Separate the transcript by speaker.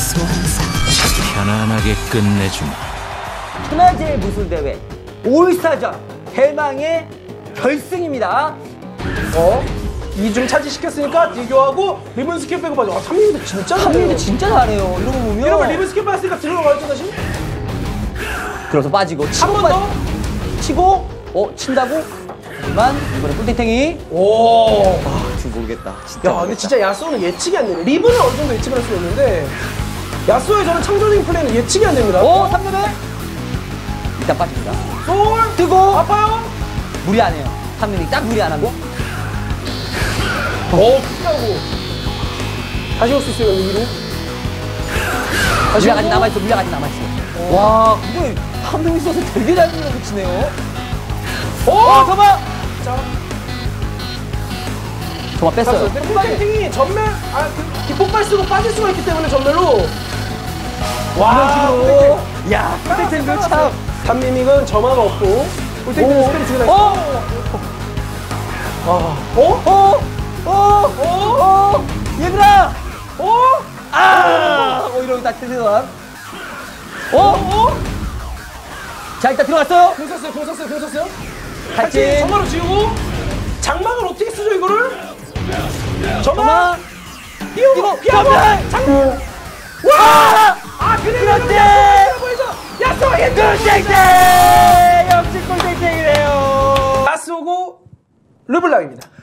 Speaker 1: 소환사
Speaker 2: 편안하게 끝내주마.
Speaker 3: 천하제일 무술대회 올스타전 대망의 결승입니다.
Speaker 4: 2중 차지시켰으니까 딜교하고 리본 스킬 빼고 빠져. 탐미도 진짜 잘해요.
Speaker 3: 탐미도 진짜 잘해요. 이러고 보면
Speaker 4: 이러면 리본 스킬 빠졌으니까 들어가야죠 다시.
Speaker 3: 들어서 빠지고 치고
Speaker 4: 한 번 더.
Speaker 3: 치고 친다고? 하지만 이번에 꿀탱탱이
Speaker 4: 오.
Speaker 3: 지금 모르겠다. 진짜
Speaker 4: 야,
Speaker 3: 모르겠다.
Speaker 4: 근데 진짜 야스오는 예측이 안 되네. 리본은 어느 정도 예측을 할 수 있는데 야스오의 저는 창조적인 플레이는 예측이 안 됩니다.
Speaker 3: 3레벨 일단 빠집니다.
Speaker 4: 솔
Speaker 3: 뜨고
Speaker 4: 아파요.
Speaker 3: 무리 안 해요. 3레벨이 딱 무리 안 하고
Speaker 4: 피하고 다시 올 수 있어요. 위로.
Speaker 3: 물약 아직 남아있어. 물약 아직 남아있어. 와, 그걸 한 명 있어서 되게 잘 밀어붙이네요. 잠깐만!
Speaker 4: 자,
Speaker 3: 정말 뺐어요.
Speaker 4: 꿀탱탱이 전멸 기폭발 쓰고 빠질 수가 있기 때문에 전멸로.
Speaker 3: 이런 식으로. 야,
Speaker 4: 꿀탱탱
Speaker 3: 꿀탱탱도 참.
Speaker 4: 단미믹은 점화가 없고 꿀탱탱 스펠이 죽여다 있어.
Speaker 3: 얘들아! 이러고 다 최대한. 자, 일단 들어갔어요.
Speaker 4: 공 썼어요.
Speaker 3: 같이.
Speaker 4: 점화로 지우고 장막을 어떻게 쓰죠 이거를? 점화.
Speaker 3: 이거
Speaker 4: 피하고.
Speaker 3: 장막.
Speaker 4: 와!
Speaker 3: 그렇지!
Speaker 4: 야스오 힌트!
Speaker 3: 꿀탱탱! 역시 꿀탱탱이래요.
Speaker 4: 야스오고 르블랑입니다.